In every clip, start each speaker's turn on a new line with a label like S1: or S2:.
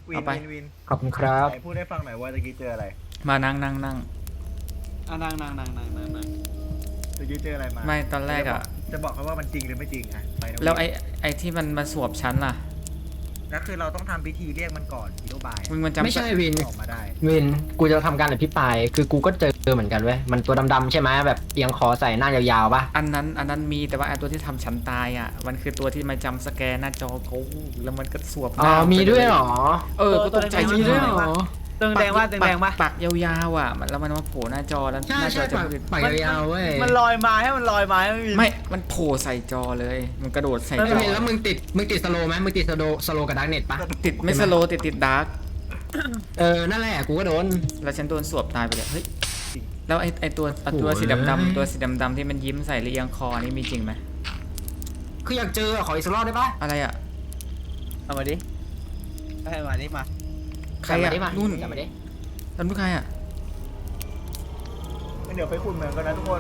S1: วิน
S2: เอาไป
S1: วินวิน
S3: ขอบคุณครับ
S1: ไหนพูดให้ฟังหน่อยว่าตะกี้เจออะไร
S2: มานั่ง
S4: นั่ง
S1: ตะกี้เจออะไรมา
S2: ไม่ตอนแรกอะ
S1: จะบอกเขาว่ามันจริงหรือไม่จริงอะไปนะ
S2: แล้วไอ้ที่มันมาสวบชั้นล่ะ
S1: แล้วคือเราต้องทำพิธีเรียกมันก่อนฮีโร่บาย
S2: มึงมันจำ
S3: ไม่ใช่วิน
S1: ออกมาได้
S3: วินกูจะทำการอภิปรายคือกูก็เจอเหมือนกันเว้ยมันตัวดำๆใช่ไหมแบบเอียงคอใส่หน้ายาวๆปะ
S2: อันนั้นมีแต่ว่าไอ้ตัวที่ทำชั้นตายอ่ะมันคือตัวที่มาจำสแกนหน้าจอกูแล้วมันก็สวบห
S3: อ๋อ
S2: น้า
S3: มีด้วยเหรอ
S2: ก็ตกใจ
S3: มีด้วยเหรอ
S4: ตึงแดงว่าตึงแดงว่า
S2: ปักยาวๆอ่ะแล้วมันมาโผล่หน้าจอแล้ว
S3: ใช่
S2: หน้าจ
S3: ใช่
S2: อจะ
S3: ปากยาวๆเว้ย
S4: มันลอยมาให้มันลอยมาให้มันมี
S2: ไม่มันโผล่ใส่จอเลยมันกระโดดใส่
S3: แล้ว
S2: จอ
S3: แล้วมึงติดสโลว์ไหมมึงติดสโลว์กับดักเน็ตปะ
S2: ติดไม่สโลว์ติดดาร์ก
S3: นั่นแหละกูก็โดน
S2: แล้วฉันโดนสวบตายไปเลยเฮ้ยแล้วไอ้ตัวสีดำๆตัวสีดำๆที่มันยิ้มใส่เรียงคอนี่มีจริงไหม
S3: คืออยากเจอขออีกสักรอบได้ปะ
S2: อะไรอ่ะ
S4: เอามาดิให้มาดิมา
S2: ใครอ่ะ
S3: จับมาดิ
S2: นู่น
S3: จับมาดิ
S2: นั่นใครอ่ะ
S1: งั้นเดี๋ยวไปขุดเหมืองกันนะทุกคน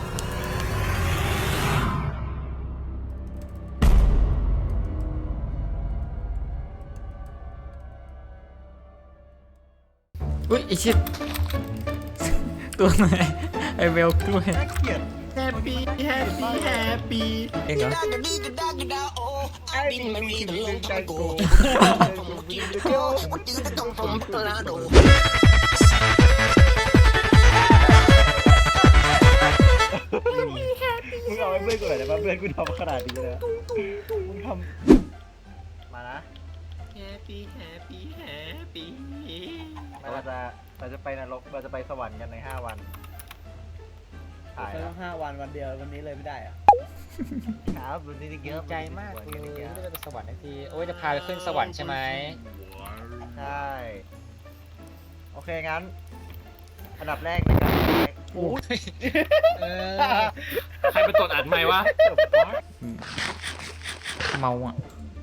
S2: อุ้ยไอชิดตัวไหนไอเวลด้วย
S1: น่าเกลียด
S4: แฮปปี้แฮปปี้แฮปปี้
S2: เองเหรอ
S1: ไอ้บินมันมีแต่ลงใจโกมึงเอาไอ้เพื่อนกูหน่อยได้ปะเพื่อนกูทำขนาดนี้เลยมึงทำมานะ
S4: แฮปปี้แฮปปี้แฮปปี้
S1: เราจะไปนรกเราจะไปสวรรค์กันใน5 วันถ่าย
S4: ใช้
S1: แล้
S4: ต้
S1: ว
S4: อง5 วันวันเดียววันนี้เลยไม่ได้อะ
S1: ครับวันนี้เยอะ
S3: ใจมากเลยไม่ได้ไปสวรรค์นาทีโอ้ยจะพาไปขึ้นสวรรค์ใช่ไหม
S1: ใช่โอเคงั้นอันดับแรกนะครับ
S3: โอ้ย
S5: ใครไปตรวจอัดไหมค์วะ
S2: เมาอ่ะ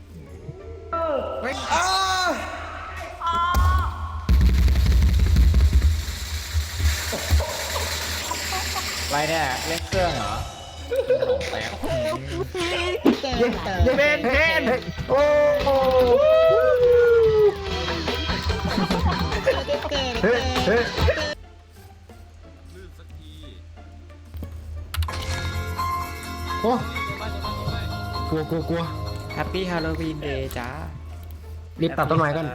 S3: ไรเนี่ยเล่นเครื่องเหรอแป๊บ
S4: เบนเบน
S3: โอ้โหเฮ้ยเฮ้ยโอ้กลัว
S2: แฮปปี้ฮาโลวีนเดย์จ้า
S3: รีบตัดต้นไม้ก่อน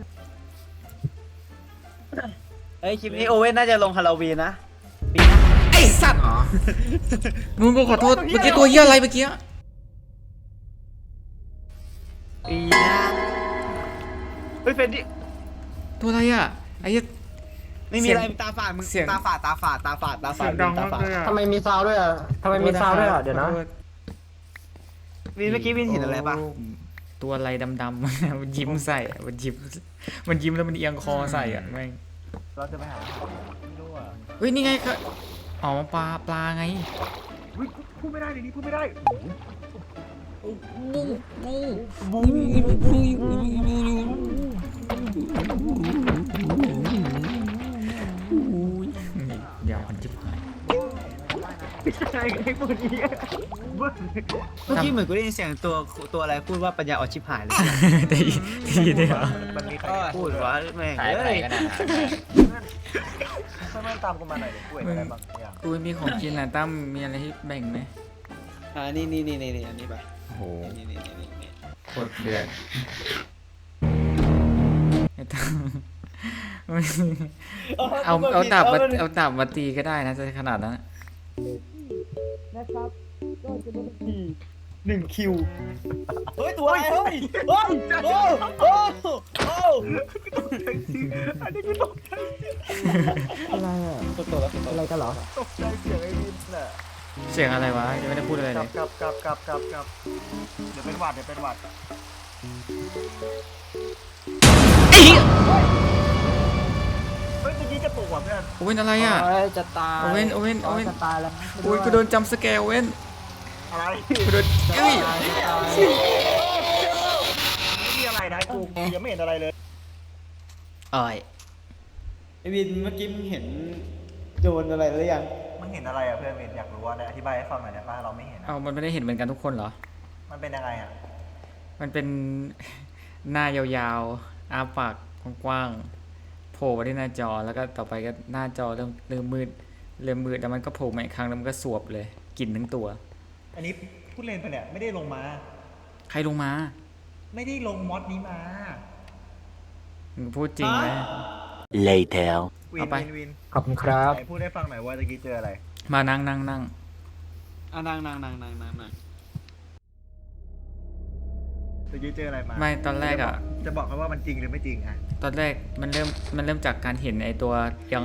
S4: เฮ้ยคลิปนี้โอเว่นน่าจะลงฮาโลวีนนะ
S2: ไอสัตว์
S3: อ๋อ
S2: มึงกูขอโทษเมื่อกี้ตัวเหี้ยอะไรเมื่อกี้
S4: ปีหน้าเฮ้ยเฟนดิ
S2: ตัวอะไรอ่ะไอ้เหี้ย
S4: ไม่มีอะไรตาฝาดมึง
S2: เสียง
S4: ตาฝาด
S2: เสียงดัง
S4: ตาม
S2: าก
S4: ฝาด
S2: เลยอ่ะ
S3: ทำไมมีซาวด้วยอ่ะทำไมมีซาวด้วยอ่ะเดี๋ยวนะ
S4: วินเมื่อกี้วินเห็นอะไรปะ
S2: ตัวอะไรดำๆ มันยิ้มใส่อะมันยิ้มแล้วมันเอียงคอใส่อ่ะแม่ง
S1: เราจะไปหาไม่รู้อ่ะ
S2: เฮ้ยนี่ไงค่ะอ๋อปลาไง
S1: พูดไม่ได้ในนี้พูดไม่ได้
S2: เดี๋ยวอันจิบหาย
S1: ใช่ไอ้พวกนี้เบิ้ล
S4: เมื่อกี้เหมือนกูได้ยินเสียงตัวอะไรพูดว่าปัญญาอ่อนชิบหายเลย
S2: ได้ยินได้เหรอ
S1: มันมีใคร
S4: พูดวะแม่ง
S3: หายไปไหน
S4: เอ้ย
S3: กันนะ
S1: เพื่อนตามกูมาหน่อยเดี๋ยวกูเห็นอะไรบางอย่าง
S2: กูมีของกินนะตั้มมีอะไรให้แบ่งไหม
S4: นี่อันนี้ไป
S2: โอ้โห
S4: นี่
S2: โคตรเดือดไอ้ตั้มเอาดาบมาตีก็ได้นะจะขนาดนั้น
S4: นะครับก็จะเป็น1 คิวเฮ้ยตัวอะไรเฮ้ยโอ้
S1: อันนี้กูตกใจ
S3: อะไรอ่ะ
S4: ตัวแล้ว
S3: อะไรกันเหรอ
S1: ตกใจเสียงไอ้วินน่ะ
S2: เสียงอะไรวะยังไม่ได้พูดอะไร
S1: ก
S2: เล
S1: ลับ
S2: ย
S1: เดี๋ยวเป็นหวัดเฮ้ยเมื่อกี้กระตุกว่ะเพื่อน
S2: โอเว่นอะไรอ่ะ
S3: จะตาย
S2: โอเว่น
S3: จะตายแล้ว
S2: โอ้ยกูโดนจำสแกร์โอเว่น
S1: อะไร
S2: กูโดนเอ้ย
S1: ไม่มีอะไรนะกูยังไม่เห็นอะไรเลย
S2: อ่อย
S4: ไอวินเมื่อกี้มึงเห็นโดนอะไรหรือยัง
S1: มันเห็นอะไรอ่ะเพื่อนเวนอยากรู้ว่าได้อธิบายให้ฟังหน่อยได้ป่ะเราไม่เห็น
S2: เอามันไม่ได้เห็นเหมือนกันทุกคนเหรอ
S1: มันเป็นยังไงอ่ะ
S2: มันเป็นหน้ายาวอ้าปากกว้างๆโผล่มาที่หน้าจอแล้วก็ต่อไปก็หน้าจอเริ่มมืดแล้วมันก็โผล่มาอีกครั้งแล้วมันก็สวบเลยกลิ่นทั้งตัว
S1: อันนี้พูดเล่นไปเนี่ยไม่ได้ลงมา
S2: ใครลงมา
S1: ไม่ได้ลงมอดนี้มา
S2: มึงพูดจริงไหม
S5: Later.
S1: วิ
S2: เอา
S1: น
S2: ไป
S1: วินวิน
S3: ขอบคุณครับ
S1: ไหนพูดให้ฟังหน่อยว่าตะกี้เจออะไร
S2: มานั่ง
S6: นั่ง
S1: ตะกี้เจออะไรมา
S2: ไม่ตอนแรกอ่ะ
S1: จะบอกเขาว่ามันจริงหรือไม่จริงอ่ะ
S2: ตอนแรกมันเริ่มจากการเห็นไอตัวยัง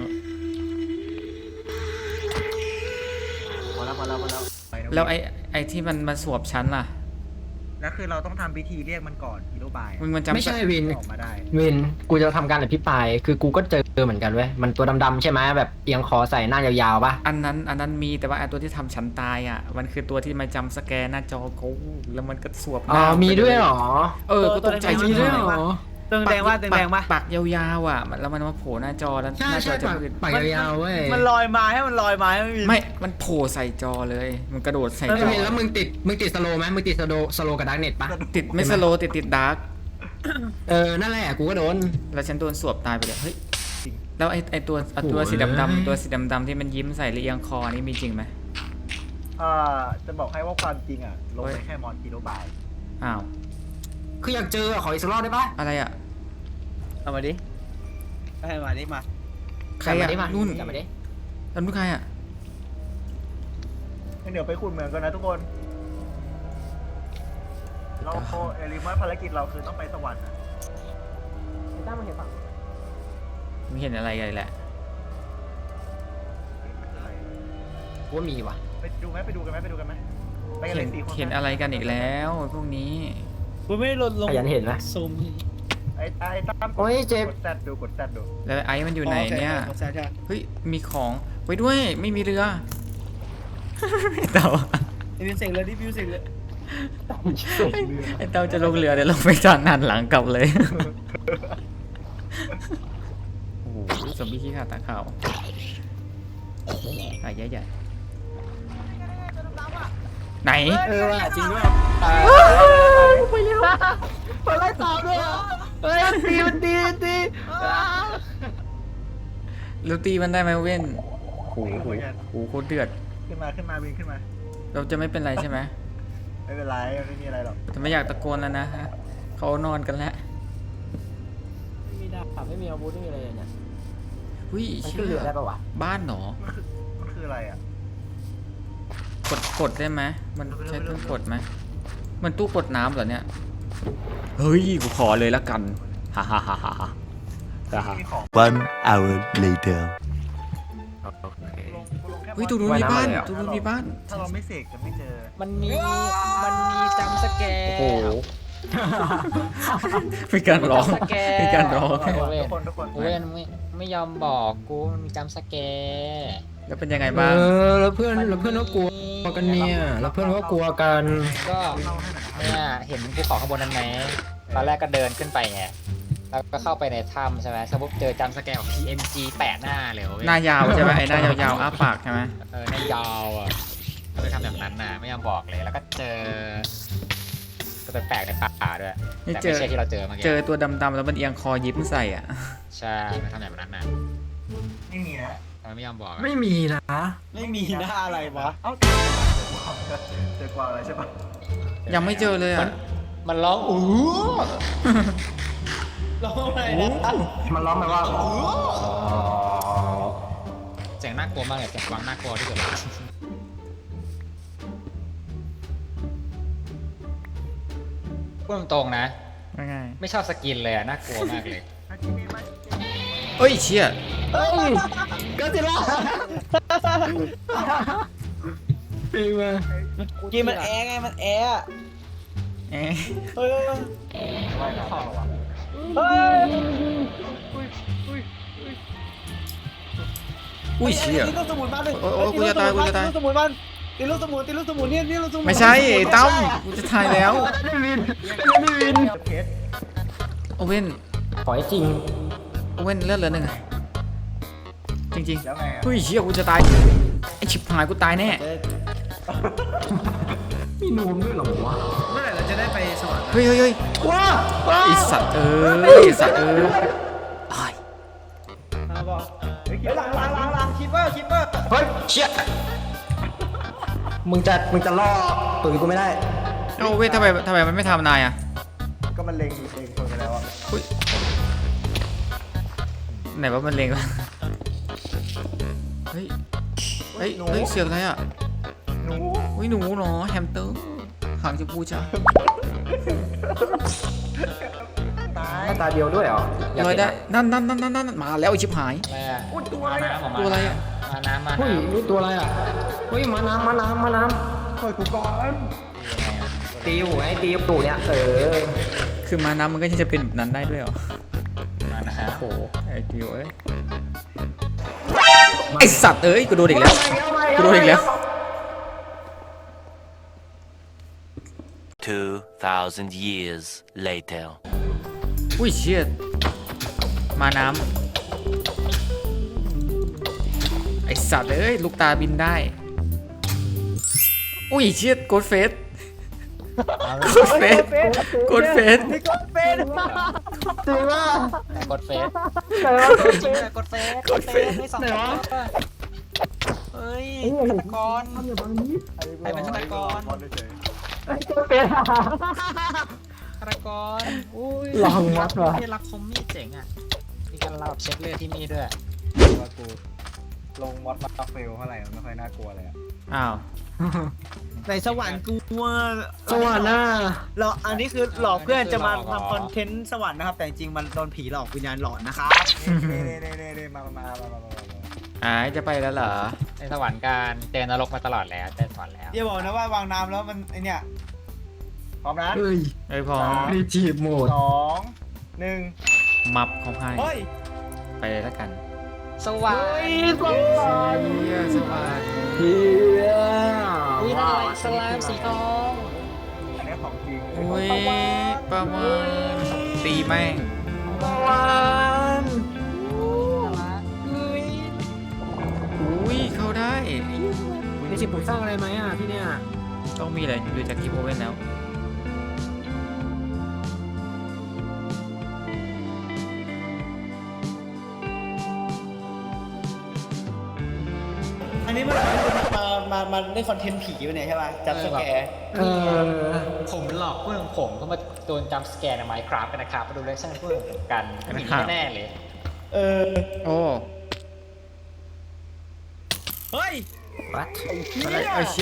S1: พอแล้วไปนะ
S2: แล้วไอที่มันมาสวบชั้นล่ะ
S1: แล้วคือเราต้องทำพิธีเรียกมันก่อนฮีโร่บาย
S2: มึงมันจำ
S3: ไม่ใช่วิน
S1: ออกมาได้
S3: วิน กูจะทำการอภิปราย คือกูก็เจอเหมือนกันเว้ย มันตัวดำๆใช่ไหมแบบเอียงคอใส่หน้ายาวๆปะ
S2: อันนั้นมีแต่ว่าไอตัวที่ทำชั้นตายอ่ะมันคือตัวที่มาจำสแกนหน้าจอกูแล้วมันก็สวบห
S3: อ๋อ
S2: น้า
S3: มีด้วยเหรอ
S2: ก็ตกใจ
S3: มีด้วยเหรอ
S6: ตึงแดงว่าตึงแดงปะ
S2: ปากยาวๆอ่ะแล้วมันมาโผล่หน้าจอแล้วหน้าจอจะมืด
S3: ปากยาวๆเว้ย
S6: มันลอยมาให้มันลอยมาให้มันมี
S2: ไม่มันโผล่ใส่จอเลยมันกระโดดใส่
S3: แล้ว
S2: จอ
S3: วินแล้วมึงติดสโลว์ไหมมึงติดสโลว์กับดักเน็ตปะ
S2: ติดไม่สโลว์ติดดาร์ก
S3: นั่นแหละ กูก็โดน
S2: แล้วฉันโดนสวบตายไปเลยเฮ้ยแล้วไอตัวสีดำๆตัวสีดำๆที่มันยิ้มใส่เอียงคอนี่มีจริงไหม
S1: จะบอกให้ว่าความจริงอ่ะลงไปแค่มอดฮีโร่บาย
S2: อ้าว
S3: คืออยากเจอขออีกสักรอบได้ปะ
S2: อะไรอ่ะ
S6: เอามาดิให้มาดิมา
S2: ใครอ่ะ
S3: จับมาดิ
S2: นุ่น
S3: จับมาดิ
S2: แล้วนุ่นใครอ่ะ
S1: งั้นเดี๋ยวไปขุดเหมืองกันนะทุกคน เราเอลิมัสภารกิจเราคือต้องไปสวรรค์นะ
S3: ตั้งมาเห็นปะ
S2: ไม่เห็นอะไรเลยแหละ
S3: กูว่ามีว่ะ
S1: ไปดูกันไหมไปกันไหมไปกันเลยสี่คน
S2: เห็นอะไรกันอีกแล้วพวกนี้
S6: กูไม่ได้ลดลง
S3: ขยันเห็นไหม
S6: ซูม
S1: ไอ้ตั้ม
S3: โอ้ยเจ็บ
S1: กดแซดดู
S2: แล้วไอ้มันอยู่ไหนเนี่ย
S6: โอคใช่
S2: เฮ้ยมีของไว้ด้วยไม่มีเรือเต่า
S6: ไอ้บิวเสกเลยดิบิวเสกเลย
S2: ไอ้เต่าจะลงเรือเดี๋ยวลงไปจอดหันหลังกลับเลยโอ้โหสมบี้ขี้ขาดตาขาวใหญ่ไหน
S6: ว่ะจริงด้วย
S3: ไปเร็วไปไล่ตามด้วยเฮ้ยมันตี
S2: แล้วตีมันได้ไหมเว้นโอ้โหโคตรเดือด
S1: ขึ้นมาบินขึ้นมา
S2: เราจะไม่เป็นไรใช่ไหม
S1: ไม่เป็นไรไม่มีอะไรหรอก
S2: แต่ไม่อยากตะโกนแล้วนะฮะเขานอนกันแล้ว
S3: ไม่มีดาบไม่มีอาวุธไม่มีอะไรเลยเนี่ย
S2: หุ้ย
S3: มันขึ้นเรือได้ปะวะ
S2: บ้านเหรอ
S1: มันคืออะไรอ่ะ
S2: กดได้ไหมมันใช้ตู้กดไหมมันตู้กดน้ำเหรอเนี่ยเฮ้ยกูขอเลยละกันฮ่าฮ่าฮ่าฮ่าฮ่า
S1: มีของ
S5: 1 hour later.
S1: ลงแค่
S2: เฮ้ยตรงนู้นมีบ้านตรงนู้นมีบ้าน
S1: ถ้าเราไม่เสกจะไม่เจอ
S3: มันมีจำสแกร์
S2: โอ้โหมีการร้องมีการร้อง
S1: ทุกคน
S3: เว้นไม่ยอมบอกกูมันมีจำสแกร์
S2: แล้วเป็นยังไงบ้าง
S3: แล้วเพื่อนก็กลัวกันเนี่ยแล้วเพื่อนก็กลัวกันก็เนี่ยเห็นภูเขาข้างบนนั้นไหมตอนแรกก็เดินขึ้นไปไงแล้วก็เข้าไปในถ้ำใช่ไหมสมมติเจอจำสแกร์ของ PNG แปะหน้าเลยเว้ย
S2: หน้ายาวใช่ไหมไอ้หน้ายาวๆอ้าปากใช่ไหม
S3: หน้ายาวอ่ะก็เลยทำแบบนั้นน่ะไม่ยอมบอกเลยแล้วก็เจอตัวแปลกๆในป่าด้วย
S2: นี่
S3: แต่
S2: เจ
S3: ไม่
S2: อ
S3: ใช่ที่เราเจอเมื่อกี้
S2: เจอตัวดำๆแล้วมันเอียงคอยิ้มใส่อ่ะ
S3: ใช่ไม่ทำแบบนั้นน่ะ
S1: ไม่มีนะ
S3: ทำไมไม่ยอมบอกอะ
S4: ไม่มีนะ
S6: ไม่มีหน้าอะไรวะ
S1: เอ้าเจอกวางอะไรใช่ปะ
S2: ยังไม่เจอเลยอ่ะ
S3: มันร้องอู้
S6: ร้องอะไรนะ
S3: มันร้องแบบว่าเสียงน่ากลัวมากเลยเสียงกวางน่ากลัวที่สุดเลยพูดตรงๆนะ
S2: ว่าไง
S3: ไม่ชอบสกินเลยอะน่ากลัวมากเลย
S1: อากิมีไหม
S2: เอ้ยเชี่ย
S3: ก็จิล่าปีมา
S6: กินมันแอร์ไงมันแอร์
S2: เอ๊ะ
S6: เฮ้ย
S1: ว่ายน้ำต่อวะ
S6: เฮ้ย
S2: อุ้ยเชี่ย
S6: ตีลูกสมุนมาเลย
S2: โอ้ยกูจะตายกูจะตาย
S6: ตีลูกสมุนมันตีลูกสมุนเนี่ยนี่ลูกสมุน
S2: ไม่ใช่ไอ้ตั้มกูจะทายแล้ว
S3: ได้วิน
S1: เพชร
S2: โอเว่น
S3: ขอให้จริง
S2: โอเว่นเลือดเหลือหนึ่งอะจริง
S1: แล้วไง
S2: ๆเฮ้ยเชี่ยกูจะตายไอชิบหายกูตายแน่
S3: มีนูมด้วยเหรอวะ
S6: เมื่อไหร่เราจะได้ไปสวรรค์
S2: เฮ้ยเฮ้ยเฮ้ย
S3: ว้า
S2: ไอสัตว์ไอสัตว์อ้าย
S1: มาบอกเฮ้ยหลังคิปเปอร์
S3: เฮ้ยเชี่ยมึงจะล่อตุ๋ยกูไม่ได้
S2: เอ้าเว้ยทำไมมันไม่ทำนายอ่ะ
S1: ก็มันเล็งคนไปแล้วอ่ะ
S2: อุ๊ยไหนว่ามันเลงวะเฮ้ยเฮ้ยเสียงอะไรอ่ะ
S1: หนู
S2: อุ้ยหนูเนาะแฮมสเตอร์หางชมพูจ้า
S1: ตาย
S3: หน้าตาเดียวด้วยเหรอ
S2: ลอยได้นั่นมาแล้วไอชิบหาย
S3: อะไรอะ
S1: อุ้ยตัวอะไร
S3: มาน้ำ
S2: ตัวอะไรอะ
S3: มาน้ำมา
S4: เฮ้ย
S3: น้ำ
S4: นี่ตัวอะไรอ่ะเฮ้ยมาน้ำ
S1: เฮ้ยกูก่อน
S4: ตีอยู่ไอ้ตีอยู่ตู่เนี่ย
S2: คือมาน้ำมันก็จะเป็นแบบนั้นได้ด้วยเหรอ
S3: มาน้
S2: โอ้โหไอ้ดิวเอ้ยไอสัตว์เอ้ยกูโดนอีกแล้วกูโดนอีกแล้ว
S5: 2,000 years later.
S2: อุ้ยเชี่ยมาน้ำไอสัตว์เอ้ยลูกตาบินได้อุ้ยเชี่ยโกดเฟสโกดเฟสโกดเฟส
S1: นี่ก็เป็น
S4: จริงว่า
S3: ำกดเฟซ
S4: จริง
S3: กดเฟซกดเฟซไม่สองเฮ้ยฆาตกร ใครเป็นฆาตกร
S4: ไอ้ตัวเป็น
S3: ฆาตกรอุ้ย
S4: ลองวัดว่ะ
S3: ที่รับคมมีดเจ๋งอ่ะมีการรับเช็คเลือดที่มีดด้วย
S1: ว่ากูลงมอดมาเฟลเท่าไหร่มันไม่ค่อยน่ากลัวเลยอะ
S2: อ้าว
S6: ในสวรรค์กูว่า
S4: สวัสดีนะ
S6: เราอันนี้คือหลอกเพื่อนจะมาทำคอนเทนต์สวรรค์นะครับ แต่จริงๆมันโดนผีหลอกวิญญาณหลอนนะครับ
S1: นี่มา
S2: อ้ายจะไปแล้วเหรอ
S3: ในสวรรค์การเจอนรกมาตลอดแล้วเจอสวรรค์แล้ว
S6: อย่าบอกนะว่าวางน้ำแล้วมันไอเนี่ย
S1: พร้อมนะ
S4: เฮ้ย
S2: ไอ้ยพอ
S4: รีจีบโหมด
S1: 2 1
S2: มับของไพ่
S6: เฮ้ย
S2: ไปเลยแล้วกัน
S3: สวรรค์
S2: เฮียสวัสดี
S4: เฮีย
S3: อุ้ยน่ารักสลามสีทอง
S1: อันนี้ของจริง
S2: อุ้ยประมาณตีแม่ง อุ้ยเข้าได้
S4: มีสิ่งปลูกสร้างอะไรไหมอ่ะที่เนี่ย
S2: ต้องมีอะไรดูจากที่โอเว่นแล้ว
S6: อันนี้มันมาเล่นคอนเทนต์ผีอยู่เนี่ยใช่ป่ะจับสแกร์
S3: ผมหลอกเพื่อนของผมเข้ามาโดนจัมป์สแกร์ใน Minecraft กันนะครับมาดูเลคชั่นเพื่อนผมกันผีแน่ๆเลย
S2: โอ้
S6: เฮ้ย
S4: วัด
S2: อะไรไอ้